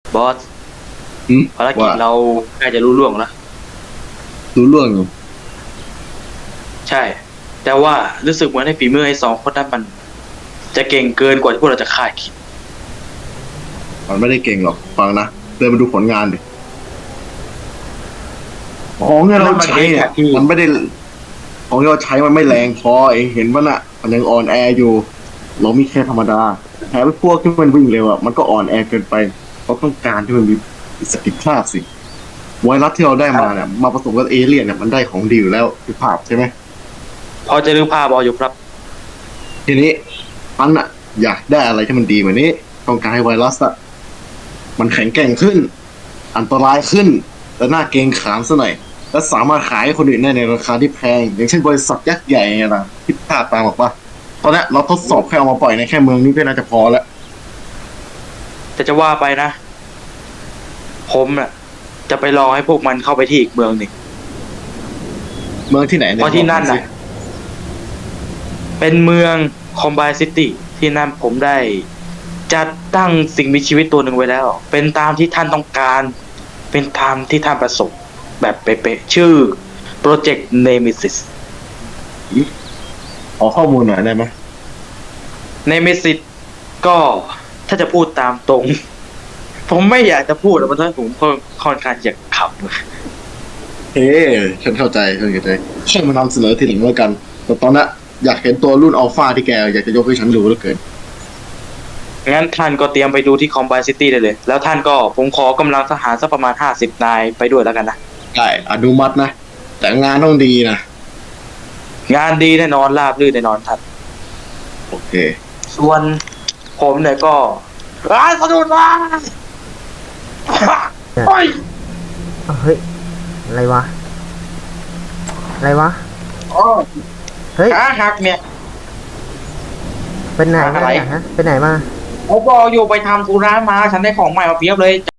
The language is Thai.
บอสอืมภารกิจว่าเราใกล้จะรู้ล่วงแล้วรู้เรื่องอยู่ใช่ แต่ว่ารู้สึกเหมือนในฝีมือไอ้สองคนนั้นมันจะเก่งเกินกว่าที่พวกเราจะคาดคิดมันไม่ได้เก่งหรอกฟังนะเดินมาดูผลงานดิของที่เรานั่นมันใช้เนี่ยเองอะที่มันไม่ได้ของที่เราใช้มันไม่แรงพอเองเห็นว่าน่ะมันยังอ่อนแออยู่เรามีแค่ธรรมดาแถมพวกที่มันวิ่งเร็วอ่ะมันก็อ่อนแอเกินไปเขาต้องการที่มันมีประสิทธิภาพสิไวรัสที่เราได้มาเนี่ยมาผสมกับเอเลี่ยนเนี่ยมันได้ของดีอยู่แล้วคือภาพใช่ไหมพอจะนึกภาพออกอยู่ครับทีนี้มันอะอยากได้อะไรที่มันดีกว่านี้ต้องการให้ไวรัสอะมันแข็งแกร่งขึ้นอันตรายขึ้นและน่าเกรงขามซะหน่อยและสามารถขายให้คนอื่นได้ในราคาที่แพงอย่างเช่นบริษัทยักษ์ใหญ่ไงนะที่ภาพตามบอกว่าตอนนี้เราทดสอบแค่เอามาปล่อยในแค่เมืองนี้ก็น่าจะพอแล้วแต่จะว่าไปนะผมน่ะจะไปรอให้พวกมันเข้าไปที่อีกเมืองหนึ่งเมืองที่ไหนเพเนี่ยราะที่นั่นบอกหอยสิน่ะเป็นเมืองคอมไบซิตี้ที่นั่นผมได้จัดตั้งสิ่งมีชีวิตตัวหนึ่งไว้แล้ว เป็นตามที่ท่านต้องการ เป็นตามที่ท่านประสงค์แบบเป๊ะๆชื่อโปรเจกต์เนมิซิสขอข้อมูลหน่อยได้ไหมเนมิซิสก็ถ้าจะพูดตามตรง ผมไม่อยากจะพูดเพราะว่าผมค่อนข้างจะขับเฮ้ฉันเข้าใจแค่มานำเสนอทีหลังแล้วกันแต่ตอนนี้อยากเห็นตัวรุ่นอัลฟาที่แกอยากจะยกให้ฉันดูแล้วเกินงั้นท่านก็เตรียมไปดูที่คอมไบซิตี้ได้เลย แล้วท่านก็ผมขอกำลังทหารสักประมาณ50 นายไปด้วยแล้วกันนะได้อนุมัตินะแต่งานต้องดีนะงานดีแน่นอนราบรื่นแน่นอนท่านโอเคส่วนผมเนี่ยก็ร้านสะดุดมาโอ้ยเฮ้ย อะไรวะ อะไรวะโอ้ยเฮ้ยขาหักเนี่ยเป็นไหนมาอะไรเนี่ยฮะเป็นไหนมาผมบอกอยู่ไปทำธุระมา ฉันได้ของใหม่มาเพียบเลย